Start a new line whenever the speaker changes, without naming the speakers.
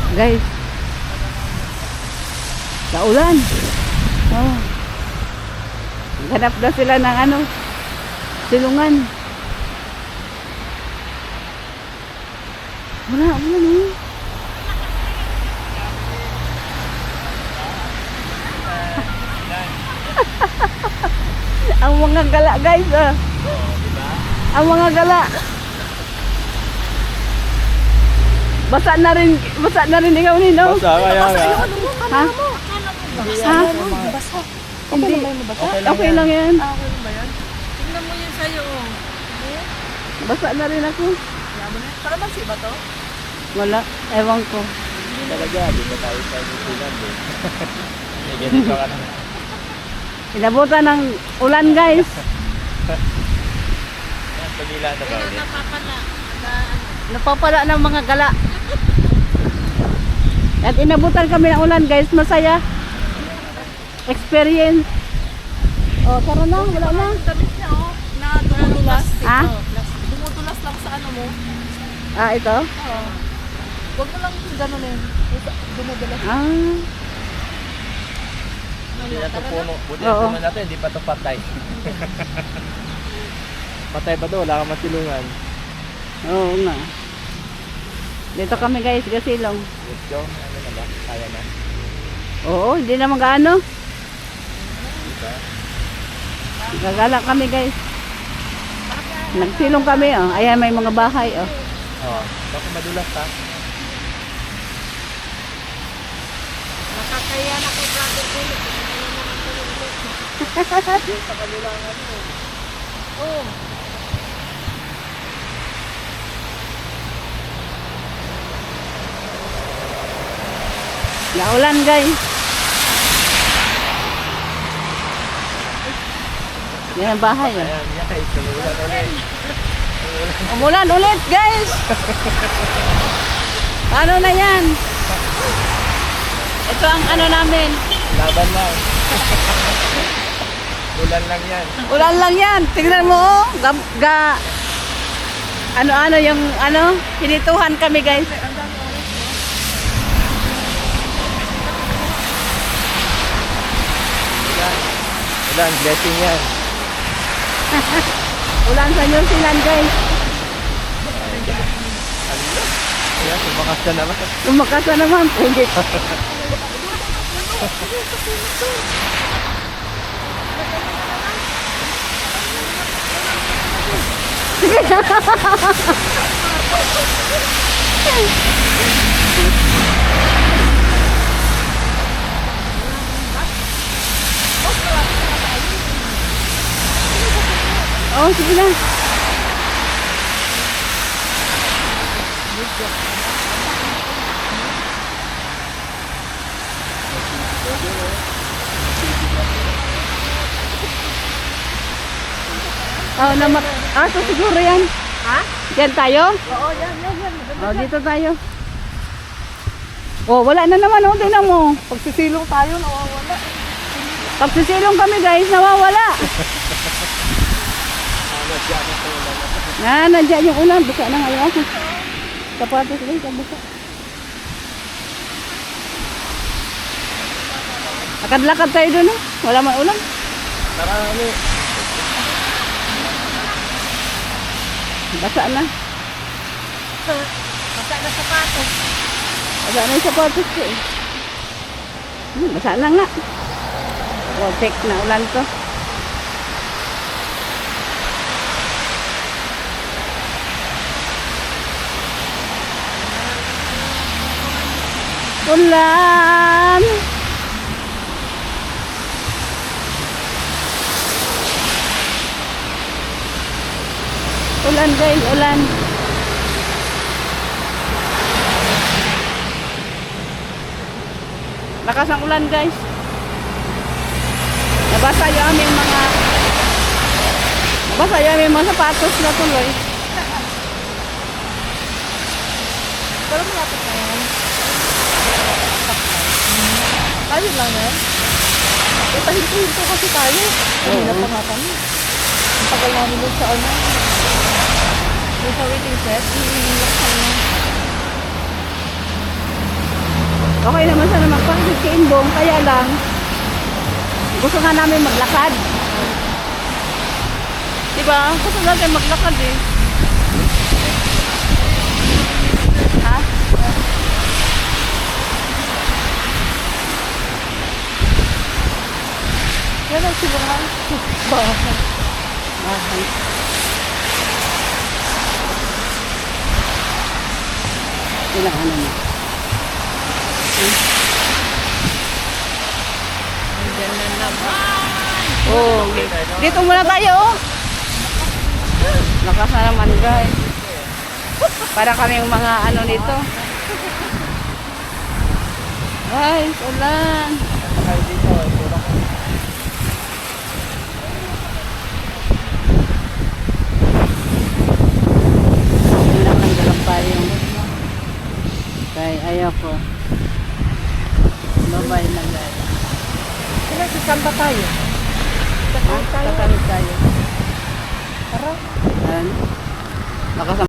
Guys. Sa ulan. Oh. Hanap na sila ng ano, silungan. Wala eh. Ang mga gala guys ah. Ang mga gala. Basa na rin ikaw Nino.
Basa kaya nga.
Ha? Ha?
Basa.
Hindi. Okay lang yan.
Okay lang ba yan? Tingnan mo yun sa'yo.
Basa na rin ako.
Kalamansi ba to?
Wala. Ewan ko.
Talaga, di ba tayo sa New Zealand eh. May ganito ka na.
Inabutan ng ulan guys.
Yan, pagila na ba ulit?
Napapala ng mga gala. At inabutan kami ng ulan guys. Masaya. Experience. Oh, tara na. Wala na.
Damit niya oh. Na dumudulas.
Ha?
Dumudulas lang sa ano mo.
Ah, ito?
Oo. Huwag mo lang gano'n eh. Dumudulas.
Ah.
Hindi na ito puno. Buti
Oo.
ang puno natin, hindi pa ito patay. Patay pa ito, wala kang masilungan.
Oo nga. Dito kami guys, Gasilong.
Let's go. Ano na ba? Kaya na.
Oo, hindi naman gaano.
Diba?
Gagala kami guys. Nagsilong kami oh. Ayan may mga bahay oh.
Oo. Baka madulas ha.
Nakakaya na kay brother ko.
Yung sa kanila ang ano.
Oo.
Naulan guys. Yan ang bahay oh.
Ayan, guys. Tumulan ulit.
Umulan ulit guys. Ano na yan? Ito ang ano namin.
Laban lang. Ulan lang yan.
Ulan lang yan. Tignan mo oh. Ano-ano yung ano. Pinituhan kami guys.
Ulan, blessing yan.
Ulan sa New Zealand guys.
Ayan, sumakas na naman.
Lumakas na naman. Hindi. Oh, sige na. Oh, naman. Ah, so siguro yan.
Ha?
Yan tayo?
Oo, yan.
Oh, dito tayo. Oh, wala na naman. Oh, tingnan mo.
Pagsisilong tayo, nawawala.
Pagsisilong kami guys, nawawala. Nandiyan yung ulan. Basa na ngayon ako. Sapatos guys, basa. Lakad-lakad tayo dun. Oh. Wala man ulan.
Tara, ano?
Basa na.
Basa na sapatos.
Basa na yung sapatos ko eh. Basa na nga. Wow, fake na ulan to. Ulan. Ulan guys, ulan. Lakas ang ulan guys. Nabasa yung aming mga sapatos na tuloy.
Pero malapit na yan. Ayun lang yan. Pahinto-hinto kasi tayo. Kanina pa nga kami. Ang tagal namin doon sa ano. Doon sa waiting set. Hihingin lang kami.
Okay naman sana magpakit kay Imbong, kaya lang gusto nga namin maglakad. Diba? Gusto natin maglakad eh. Ha?
Yan ang silungan. Bahay.
Bahay. Ilang ano na.
Diyan na naman.
Oh, dito muna tayo. Oh. Lakas na naman guys. Para kaming mga ano nito. Guys, ulan.
Kayo dito, puro ko.
Ulan ng dalampayong. Kaya ayaw ko. Bye-bye na guys.
Sasamba tayo.
Ha? Kakalit tayo.
Tara.
Ayan. Lakas